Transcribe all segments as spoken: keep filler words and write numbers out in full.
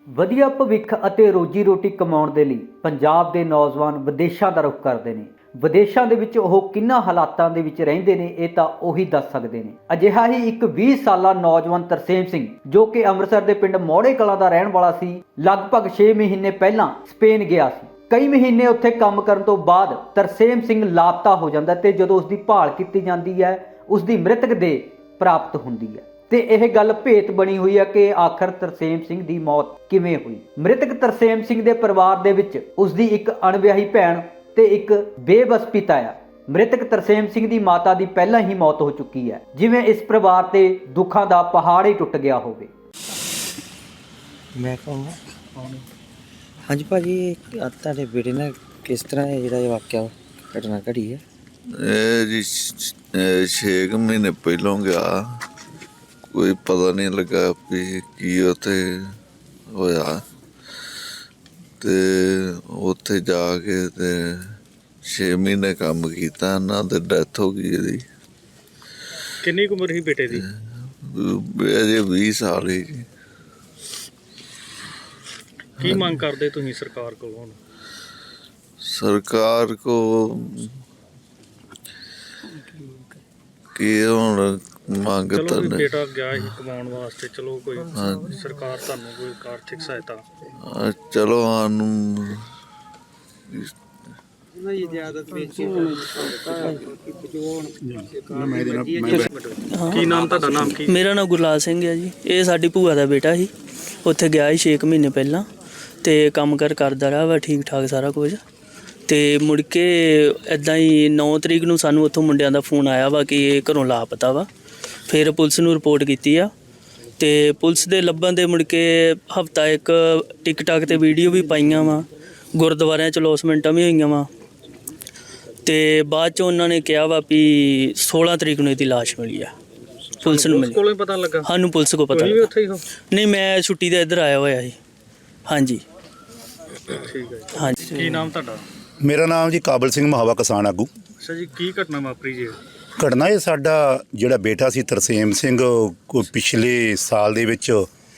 ਵਧੀਆ ਭਵਿੱਖ ਅਤੇ ਰੋਜੀ ਰੋਟੀ ਕਮਾਉਣ ਦੇ ਲਈ ਪੰਜਾਬ ਦੇ ਨੌਜਵਾਨ ਵਿਦੇਸ਼ਾਂ ਦਾ ਰੁਖ ਕਰਦੇ ਨੇ। ਵਿਦੇਸ਼ਾਂ ਦੇ ਵਿੱਚ ਉਹ ਕਿੰਨਾ ਹਾਲਾਤਾਂ ਦੇ ਵਿੱਚ ਰਹਿੰਦੇ ਨੇ ਇਹ ਤਾਂ ਉਹੀ ਦੱਸ ਸਕਦੇ ਨੇ। ਅਜਿਹਾ ਹੀ ਇੱਕ ਵੀਹ ਸਾਲਾ ਨੌਜਵਾਨ ਤਰਸੇਮ ਸਿੰਘ ਜੋ ਕਿ ਅੰਮ੍ਰਿਤਸਰ ਦੇ ਪਿੰਡ ਮੌੜੇ ਕਲਾਂ ਦਾ ਰਹਿਣ ਵਾਲਾ ਸੀ, ਲਗਭਗ ਛੇ ਮਹੀਨੇ ਪਹਿਲਾਂ ਸਪੇਨ ਗਿਆ ਸੀ। ਕਈ ਮਹੀਨੇ ਉੱਥੇ ਕੰਮ ਕਰਨ ਤੋਂ ਬਾਅਦ ਤਰਸੇਮ ਸਿੰਘ ਲਾਪਤਾ ਹੋ ਜਾਂਦਾ ਤੇ ਜਦੋਂ ਉਸ ਦੀ ਭਾਲ ਕੀਤੀ ਜਾਂਦੀ ਹੈ ਉਸ ਦੀ ਮ੍ਰਿਤਕ ਦੇਹ ਪ੍ਰਾਪਤ ਹੁੰਦੀ ਹੈ ਤੇ ਇਹ ਗੱਲ ਭੇਤ ਬਣੀ ਹੋਈ ਹੈ ਕਿ ਆਖਰ ਤਰਸੇਮ ਸਿੰਘ ਦੀ ਮੌਤ ਕਿਵੇਂ ਹੋਈ। ਮ੍ਰਿਤਕ ਤਰਸੇਮ ਸਿੰਘ ਦੇ ਪਰਿਵਾਰ ਦੇ ਵਿੱਚ ਉਸ ਦੀ ਇੱਕ ਅਣਵਿਆਹੀ ਭੈਣ ਤੇ ਇੱਕ ਬੇਬਸ ਪਿਤਾ ਆ। ਮ੍ਰਿਤਕ ਤਰਸੇਮ ਸਿੰਘ ਦੀ ਮਾਤਾ ਦੀ ਪਹਿਲਾਂ ਹੀ ਮੌਤ ਹੋ ਚੁੱਕੀ ਹੈ, ਜਿਵੇਂ ਇਸ ਪਰਿਵਾਰ ਤੇ ਦੁੱਖਾਂ ਦਾ ਪਹਾੜ ਹੀ ਟੁੱਟ ਗਿਆ ਹੋਵੇ। ਮੈਂ ਕਹੂੰਗਾ ਹਾਂਜੀ ਭਾਜੀ, ਤੁਹਾਡੇ ਬੇਟੇ ਨਾਲ ਕਿਸ ਤਰ੍ਹਾਂ ਇਹ ਜਿਹੜਾ ਇਹ ਵਾਕਿਆ ਘਟਨਾ ਘੜੀ ਹੈ? ਇਹ ਜੀ ਛੇ ਕੁ ਮਹੀਨੇ ਪਹਿਲੋਂ ਗਿਆ, ਕੋਈ ਪਤਾ ਨਹੀਂ ਲੱਗਾ ਵੀ ਕੀ ਉੱਥੇ ਹੋਇਆ ਤੇ ਉੱਥੇ ਜਾ ਕੇ ਤੇ ਛੇ ਮਹੀਨੇ ਕੰਮ ਕੀਤਾ, ਇਹਨਾਂ ਤੇ ਡੈਥ ਹੋ ਗਈ ਇਹਦੀ। ਕਿੰਨੀ ਕੁ ਉਮਰ ਸੀ ਬੇਟੇ ਦੀ? ਅਜੇ ਵੀਹ ਸਾਲ ਹੀ ਜੀ। ਕੀ ਮੰਗ ਕਰਦੇ ਤੁਸੀਂ ਸਰਕਾਰ ਕੋਲੋਂ ਹੁਣ? ਸਰਕਾਰ ਕੋ ਕੀ ਹੁਣ ਮੰਗ ਚਲੋ ਤਾਂ ਵੀ ਨਹੀਂ। ਬੇਟਾ ਗਿਆ ਸੀ ਕਮਾਉਣ ਵਾਸਤੇ, ਚਲੋ ਕੋਈ ਸਰਕਾਰ ਤੁਹਾਨੂੰ ਕੋਈ ਆਰਥਿਕ ਸਹਾਇਤਾ? ਅਹ ਚਲੋ ਸਾਨੂੰ ਕੀ ਨਾਮ ਤੁਹਾਡਾ? ਨਾਮ ਕੀ? ਮੇਰਾ ਨਾਮ ਗੁਰਲਾਲ ਸਿੰਘ ਹੈ ਜੀ। ਇਹ ਸਾਡੀ ਭੂਆ ਦਾ ਬੇਟਾ ਸੀ, ਉੱਥੇ ਗਿਆ ਸੀ ਛੇ ਕੁ ਮਹੀਨੇ ਪਹਿਲਾਂ ਤੇ ਕੰਮ ਕਰ ਕਰਦਾ ਰਿਹਾ ਵਾ ਠੀਕ ਠਾਕ ਸਾਰਾ ਕੁਝ। ਤੇ ਮੁੜ ਕੇ ਇੱਦਾਂ ਹੀ ਨੌ ਤਰੀਕ ਨੂੰ ਸਾਨੂੰ ਉੱਥੋਂ ਮੁੰਡਿਆਂ ਦਾ ਫੋਨ ਆਇਆ ਵਾ ਕਿ ਇਹ ਘਰੋਂ ਲਾਪਤਾ ਵਾ। ਫਿਰ ਪੁਲਿਸ ਨੂੰ ਰਿਪੋਰਟ ਕੀਤੀ ਆ ਤੇ ਪੁਲਿਸ ਦੇ ਲੱਭਣ ਦੇ ਮੁੜ ਕੇ ਹਫਤਾ ਇੱਕ ਟਿਕਟਾਕ ਤੇ ਵੀਡੀਓ ਵੀ ਪਾਈਆਂ ਵਾ, ਗੁਰਦੁਆਰਿਆਂ 'ਚ ਲੌਸਮੈਂਟਾਂ ਵੀ ਹੋਈਆਂ ਵਾ ਤੇ ਬਾਅਦ 'ਚ ਉਹਨਾਂ ਨੇ ਕਿਹਾ ਵਾ ਵੀ ਸੋਲਾਂ ਤਰੀਕ ਨੂੰ ਇਹਦੀ ਲਾਸ਼ ਮਿਲੀ ਆ। ਪੁਲਿਸ ਨੂੰ ਮਿਲੀ, ਕੋਲੋਂ ਹੀ ਪਤਾ ਲੱਗਾ? ਸਾਨੂੰ ਪੁਲਿਸ ਕੋਲ ਪਤਾ ਤੁਸੀਂ ਵੀ ਉੱਥੇ ਹੀ ਹੋ? ਨਹੀਂ, ਮੈਂ ਛੁੱਟੀ ਤੇ ਇੱਧਰ ਆਇਆ ਹੋਇਆ ਸੀ। ਹਾਂਜੀ ਠੀਕ ਹੈ ਜੀ। ਹਾਂਜੀ। ਕੀ ਨਾਮ ਤੁਹਾਡਾ? ਮੇਰਾ ਨਾਮ ਜੀ ਕਾਬਲ ਸਿੰਘ ਮਹਾਵਾ ਕਿਸਾਨ ਆਗੂ। ਅੱਛਾ ਜੀ, ਕੀ ਘਟਨਾ ਵਾਪਰੀ ਜੀ? ਘਟਨਾ ਇਹ ਸਾਡਾ ਜਿਹੜਾ ਬੇਟਾ ਸੀ ਤਰਸੇਮ ਸਿੰਘ, ਕੋਈ ਪਿਛਲੇ ਸਾਲ ਦੇ ਵਿੱਚ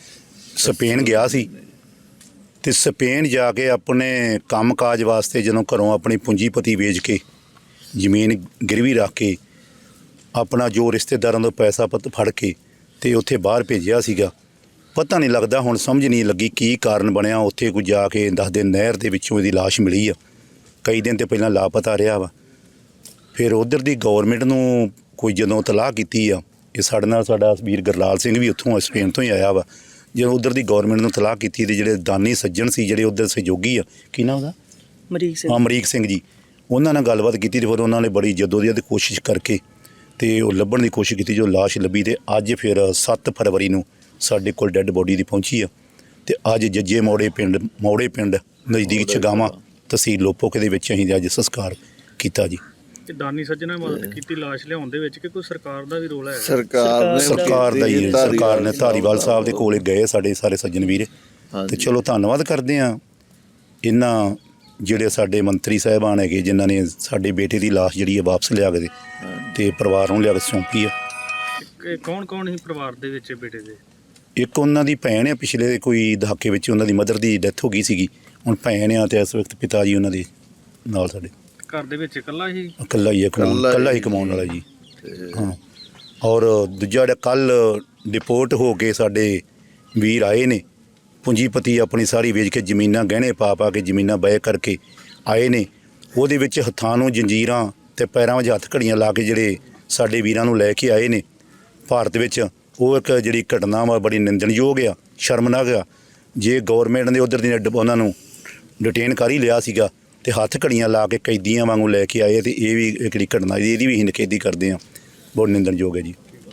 ਸਪੇਨ ਗਿਆ ਸੀ ਤੇ ਸਪੇਨ ਜਾ ਕੇ ਆਪਣੇ ਕੰਮਕਾਜ ਵਾਸਤੇ ਜਦੋਂ ਘਰੋਂ ਆਪਣੀ ਪੂੰਜੀਪਤੀ ਵੇਚ ਕੇ ਜ਼ਮੀਨ ਗਿਰਵੀ ਰੱਖ ਕੇ ਆਪਣਾ ਜੋ ਰਿਸ਼ਤੇਦਾਰਾਂ ਤੋਂ ਪੈਸਾ ਪੱਤ ਫੜ ਕੇ ਤੇ ਉੱਥੇ ਬਾਹਰ ਭੇਜਿਆ ਸੀਗਾ। ਪਤਾ ਨਹੀਂ ਲੱਗਦਾ, ਹੁਣ ਸਮਝ ਨਹੀਂ ਲੱਗੀ ਕੀ ਕਾਰਨ ਬਣਿਆ। ਉੱਥੇ ਕੋਈ ਜਾ ਕੇ ਦੱਸਦੇ ਨਹਿਰ ਦੇ ਵਿੱਚੋਂ ਇਹਦੀ ਲਾਸ਼ ਮਿਲੀ ਆ। ਕਈ ਦਿਨ ਤੇ ਪਹਿਲਾਂ ਲਾਪਤਾ ਰਿਹਾ ਵਾ। ਫਿਰ ਉਧਰ ਦੀ ਗੌਰਮੈਂਟ ਨੂੰ ਕੋਈ ਜਦੋਂ ਤਲਾਹ ਕੀਤੀ ਆ, ਇਹ ਸਾਡੇ ਨਾਲ ਸਾਡਾ ਵੀਰ ਗੁਰਲਾਲ ਸਿੰਘ ਵੀ ਉੱਥੋਂ ਸਪੇਨ ਤੋਂ ਹੀ ਆਇਆ ਵਾ। ਜਦੋਂ ਉਧਰ ਦੀ ਗੌਰਮੈਂਟ ਨੂੰ ਤਲਾਹ ਕੀਤੀ ਤੇ ਜਿਹੜੇ ਦਾਨੀ ਸੱਜਣ ਸੀ, ਜਿਹੜੇ ਉਧਰ ਸਹਿਯੋਗੀ ਆ, ਕੀ ਨਾਮ ਉਹਦਾ? ਅਮਰੀਕ ਸਿੰਘ। ਅਮਰੀਕ ਸਿੰਘ ਜੀ, ਉਹਨਾਂ ਨਾਲ ਗੱਲਬਾਤ ਕੀਤੀ ਤੇ ਫਿਰ ਉਹਨਾਂ ਨੇ ਬੜੀ ਜਦੋਜਹਿਦ ਕੋਸ਼ਿਸ਼ ਕਰਕੇ ਤੇ ਉਹ ਲੱਭਣ ਦੀ ਕੋਸ਼ਿਸ਼ ਕੀਤੀ, ਜੋ ਲਾਸ਼ ਲੱਭੀ। ਤੇ ਅੱਜ ਫਿਰ ਸੱਤ ਫਰਵਰੀ ਨੂੰ ਸਾਡੇ ਕੋਲ ਡੈੱਡ ਬੋਡੀ ਦੀ ਪਹੁੰਚੀ ਆ ਤੇ ਅੱਜ ਜੱਜੇ ਮੌੜੇ ਪਿੰਡ ਮੌੜੇ ਪਿੰਡ ਨਜ਼ਦੀਕ ਛਗਾਵਾਂ ਤਹਿਸੀਲ ਲੋਪੋਕੇ ਦੇ ਵਿੱਚ ਅਸੀਂ ਅੱਜ ਸੰਸਕਾਰ ਕੀਤਾ ਜੀ। ਕਿ ਦਾਨੀ ਸੱਜਣਾ ਮਦਦ ਕੀਤੀ ਲਾਸ਼ ਲਿਆਉਣ ਦੇ ਵਿੱਚ ਕਿ ਕੋਈ ਸਰਕਾਰ ਦਾ ਵੀ ਰੋਲ ਹੈ? ਸਰਕਾਰ ਨੇ ਸਰਕਾਰ ਦਾ ਹੀ, ਸਰਕਾਰ ਨੇ ਧਾਰੀਵਾਲ ਸਾਹਿਬ ਦੇ ਕੋਲੇ ਗਏ ਸਾਡੇ ਸਾਰੇ ਸੱਜਣ ਵੀਰ ਤੇ ਚਲੋ ਧੰਨਵਾਦ ਕਰਦੇ ਆ ਇਹਨਾਂ ਜਿਹੜੇ ਸਾਡੇ ਮੰਤਰੀ ਸਾਹਿਬਾਨ ਹੈਗੇ ਜਿਨ੍ਹਾਂ ਨੇ ਸਾਡੇ ਬੇਟੇ ਦੀ ਲਾਸ਼ ਜਿਹੜੀ ਹੈ ਵਾਪਸ ਲਿਆ ਕੇ ਤੇ ਪਰਿਵਾਰ ਨੂੰ ਲਿਆ ਕੇ ਸੌਂਪੀ ਆ। ਕੌਣ ਕੌਣ ਸੀ ਪਰਿਵਾਰ ਦੇ ਵਿੱਚ ਬੇਟੇ ਦੇ? ਇੱਕ ਉਹਨਾਂ ਦੀ ਭੈਣ ਆ, ਪਿਛਲੇ ਕੋਈ ਦਹਾਕੇ ਵਿੱਚ ਉਹਨਾਂ ਦੀ ਮਦਰ ਦੀ ਡੈਥ ਹੋ ਗਈ ਸੀਗੀ। ਹੁਣ ਭੈਣ ਆ ਤੇ ਇਸ ਵਕਤ ਪਿਤਾ ਜੀ ਉਹਨਾਂ ਦੇ ਨਾਲ ਸਾਡੇ ਘਰ ਦੇ ਵਿੱਚ ਇਕੱਲਾ ਹੀ? ਇਕੱਲਾ ਹੀ ਹੈ, ਕਮਾਉਣ ਇਕੱਲਾ ਹੀ ਕਮਾਉਣ ਵਾਲਾ ਜੀ। ਹਾਂ, ਔਰ ਦੂਜਾ ਜਿਹੜਾ ਕੱਲ੍ਹ ਡਿਪੋਰਟ ਹੋ ਕੇ ਸਾਡੇ ਵੀਰ ਆਏ ਨੇ, ਪੂੰਜੀਪਤੀ ਆਪਣੀ ਸਾਰੀ ਵੇਚ ਕੇ ਜ਼ਮੀਨਾਂ ਗਹਿਣੇ ਪਾ ਪਾ ਕੇ ਜ਼ਮੀਨਾਂ ਬੈ ਕਰਕੇ ਆਏ ਨੇ। ਉਹਦੇ ਵਿੱਚ ਹੱਥਾਂ ਨੂੰ ਜੰਜੀਰਾਂ ਅਤੇ ਪੈਰਾਂ ਵਿੱਚ ਹੱਥ ਘੜੀਆਂ ਲਾ ਕੇ ਜਿਹੜੇ ਸਾਡੇ ਵੀਰਾਂ ਨੂੰ ਲੈ ਕੇ ਆਏ ਨੇ ਭਾਰਤ ਵਿੱਚ, ਉਹ ਇੱਕ ਜਿਹੜੀ ਘਟਨਾ ਵਾ ਬੜੀ ਨਿੰਦਣਯੋਗ ਆ, ਸ਼ਰਮਨਾਕ ਆ। ਜੇ ਗੌਰਮੈਂਟ ਨੇ ਉੱਧਰ ਦੀ ਉਹਨਾਂ ਨੂੰ ਡਿਟੇਨ ਕਰ ਹੀ ਲਿਆ ਸੀਗਾ ਤੇ ਹੱਥ ਘੜੀਆਂ ਲਾ ਕੇ ਕੈਦੀਆਂ ਵਾਂਗੂ ਲੈ ਕੇ ਆਏ ਤੇ ਇਹ ਵੀ ਜਿਹੜੀ ਘਟਨਾ ਇਹਦੀ ਵੀ ਅਸੀਂ ਨਿਖੇਧੀ ਕਰਦੇ ਹਾਂ, ਬਹੁਤ ਨਿੰਦਣਯੋਗ ਹੈ ਜੀ।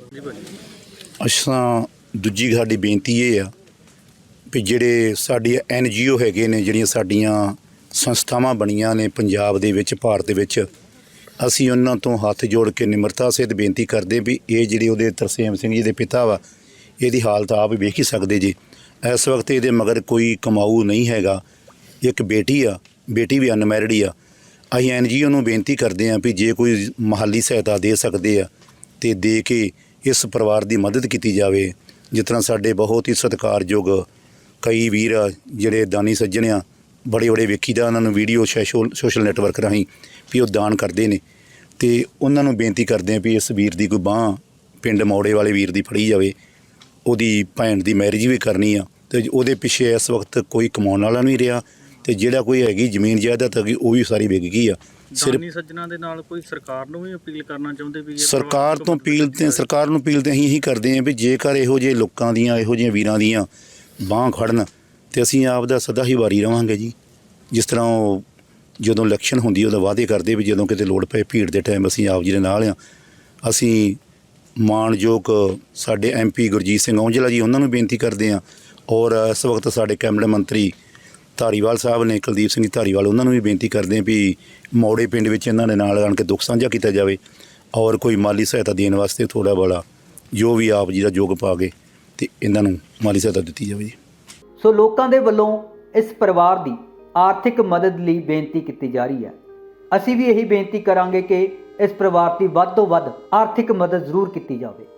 ਅਸਾਂ ਦੂਜੀ ਸਾਡੀ ਬੇਨਤੀ ਇਹ ਆ ਵੀ ਜਿਹੜੇ ਸਾਡੀ ਐਨ ਜੀ ਓ ਹੈਗੇ ਨੇ, ਜਿਹੜੀਆਂ ਸਾਡੀਆਂ ਸੰਸਥਾਵਾਂ ਬਣੀਆਂ ਨੇ ਪੰਜਾਬ ਦੇ ਵਿੱਚ, ਭਾਰਤ ਦੇ ਵਿੱਚ, ਅਸੀਂ ਉਹਨਾਂ ਤੋਂ ਹੱਥ ਜੋੜ ਕੇ ਨਿਮਰਤਾ ਸਹਿਤ ਬੇਨਤੀ ਕਰਦੇ ਵੀ ਇਹ ਜਿਹੜੇ ਉਹਦੇ ਤਰਸੇਮ ਸਿੰਘ ਜੀ ਦੇ ਪਿਤਾ ਵਾ, ਇਹਦੀ ਹਾਲਤ ਆਪ ਵੇਖ ਹੀ ਸਕਦੇ ਜੀ। ਇਸ ਵਕਤ ਇਹਦੇ ਮਗਰ ਕੋਈ ਕਮਾਊ ਨਹੀਂ ਹੈਗਾ, ਇੱਕ ਬੇਟੀ ਆ, ਬੇਟੀ ਵੀ ਅਨਮੈਰਿਡ ਹੀ ਆ। ਅਸੀਂ ਐਨ ਜੀ ਓ ਨੂੰ ਬੇਨਤੀ ਕਰਦੇ ਹਾਂ ਵੀ ਜੇ ਕੋਈ ਮਾਲੀ ਸਹਾਇਤਾ ਦੇ ਸਕਦੇ ਆ ਤੇ ਦੇ ਕੇ ਇਸ ਪਰਿਵਾਰ ਦੀ ਮਦਦ ਕੀਤੀ ਜਾਵੇ। ਜਿਸ ਤਰ੍ਹਾਂ ਸਾਡੇ ਬਹੁਤ ਹੀ ਸਤਿਕਾਰਯੋਗ ਕਈ ਵੀਰ ਆ ਜਿਹੜੇ ਦਾਨੀ ਸੱਜਣ ਆ, ਬੜੇ ਬੜੇ ਵੇਖੀਦਾ ਉਹਨਾਂ ਨੂੰ ਵੀਡੀਓ ਸੋਸ਼ਲ ਸੋਸ਼ਲ ਨੈਟਵਰਕ ਰਾਹੀਂ ਵੀ ਉਹ ਦਾਨ ਕਰਦੇ ਨੇ, ਅਤੇ ਉਹਨਾਂ ਨੂੰ ਬੇਨਤੀ ਕਰਦੇ ਆ ਵੀ ਇਸ ਵੀਰ ਦੀ ਕੋਈ ਬਾਂਹ ਪਿੰਡ ਮੌੜੇ ਵਾਲੇ ਵੀਰ ਦੀ ਫੜੀ ਜਾਵੇ। ਉਹਦੀ ਭੈਣ ਦੀ ਮੈਰਿਜ ਵੀ ਕਰਨੀ ਆ, ਅਤੇ ਉਹਦੇ ਪਿੱਛੇ ਇਸ ਵਕਤ ਕੋਈ ਕਮਾਉਣ ਵਾਲਾ ਨਹੀਂ ਰਿਹਾ, ਅਤੇ ਜਿਹੜਾ ਕੋਈ ਹੈਗੀ ਜ਼ਮੀਨ ਜਾਇਦਾਦ ਹੈਗੀ ਉਹ ਵੀ ਸਾਰੀ ਵਿਕ ਗਈ ਆ। ਸਿਰਫ ਦਾਨੀ ਸੱਜਣਾ ਦੇ ਨਾਲ ਕੋਈ ਸਰਕਾਰ ਨੂੰ ਵੀ ਅਪੀਲ ਕਰਨਾ ਚਾਹੁੰਦੇ ਵੀ ਇਹ ਸਰਕਾਰ ਤੋਂ ਅਪੀਲ ਤੇ ਸਰਕਾਰ ਨੂੰ ਅਪੀਲ ਤੇ ਅਸੀਂ ਇਹੀ ਕਰਦੇ ਹਾਂ ਵੀ ਜੇਕਰ ਇਹੋ ਜਿਹੇ ਲੋਕਾਂ ਦੀਆਂ ਇਹੋ ਜਿਹੇ ਵੀਰਾਂ ਦੀਆਂ ਬਾਂਹ ਖੜਨ ਤੇ ਅਸੀਂ ਆਪ ਦਾ ਸਦਾ ਹੀ ਵਾਰੀ ਰਵਾਂਗੇ ਜੀ। ਜਿਸ ਤਰ੍ਹਾਂ ਉਹ ਜਦੋਂ ਇਲੈਕਸ਼ਨ ਹੁੰਦੀ ਉਹਦਾ ਵਾਅਦੇ ਕਰਦੇ ਵੀ ਜਦੋਂ ਕਿਤੇ ਲੋੜ ਪਏ ਭੀੜ ਦੇ ਟਾਈਮ ਅਸੀਂ ਆਪ ਜੀ ਦੇ ਨਾਲ ਆ। ਅਸੀਂ ਮਾਣਯੋਗ ਸਾਡੇ ਐਮ ਪੀ ਗੁਰਜੀਤ ਸਿੰਘ ਔਂਜਲਾ ਜੀ ਉਹਨਾਂ ਨੂੰ ਬੇਨਤੀ ਕਰਦੇ ਹਾਂ, ਔਰ ਇਸ ਵਕਤ ਸਾਡੇ ਕੈਬਨਿਟ ਮੰਤਰੀ ਧਾਰੀਵਾਲ ਸਾਹਿਬ ਨੇ, ਕੁਲਦੀਪ ਸਿੰਘ ਧਾਰੀਵਾਲ, ਉਹਨਾਂ ਨੂੰ ਵੀ ਬੇਨਤੀ ਕਰਦੇ ਹਾਂ ਵੀ ਮੌੜੇ ਪਿੰਡ ਵਿੱਚ ਇਹਨਾਂ ਦੇ ਨਾਲ ਆਣ ਕੇ ਦੁੱਖ ਸਾਂਝਾ ਕੀਤਾ ਜਾਵੇ, ਔਰ ਕੋਈ ਮਾਲੀ ਸਹਾਇਤਾ ਦੇਣ ਵਾਸਤੇ ਥੋੜ੍ਹਾ ਬੜਾ ਜੋ ਵੀ ਆਪ ਜੀ ਦਾ ਯੋਗ ਪਾ ਕੇ ਅਤੇ ਇਹਨਾਂ ਨੂੰ ਮਾਲੀ ਸਹਾਇਤਾ ਦਿੱਤੀ ਜਾਵੇ ਜੀ। ਸੋ ਲੋਕਾਂ ਦੇ ਵੱਲੋਂ ਇਸ ਪਰਿਵਾਰ ਦੀ ਆਰਥਿਕ ਮਦਦ ਲਈ ਬੇਨਤੀ ਕੀਤੀ ਜਾ ਰਹੀ ਹੈ। ਅਸੀਂ ਵੀ ਇਹੀ ਬੇਨਤੀ ਕਰਾਂਗੇ ਕਿ ਇਸ ਪਰਿਵਾਰ ਦੀ ਵੱਧ ਤੋਂ ਵੱਧ ਆਰਥਿਕ ਮਦਦ ਜ਼ਰੂਰ ਕੀਤੀ ਜਾਵੇ।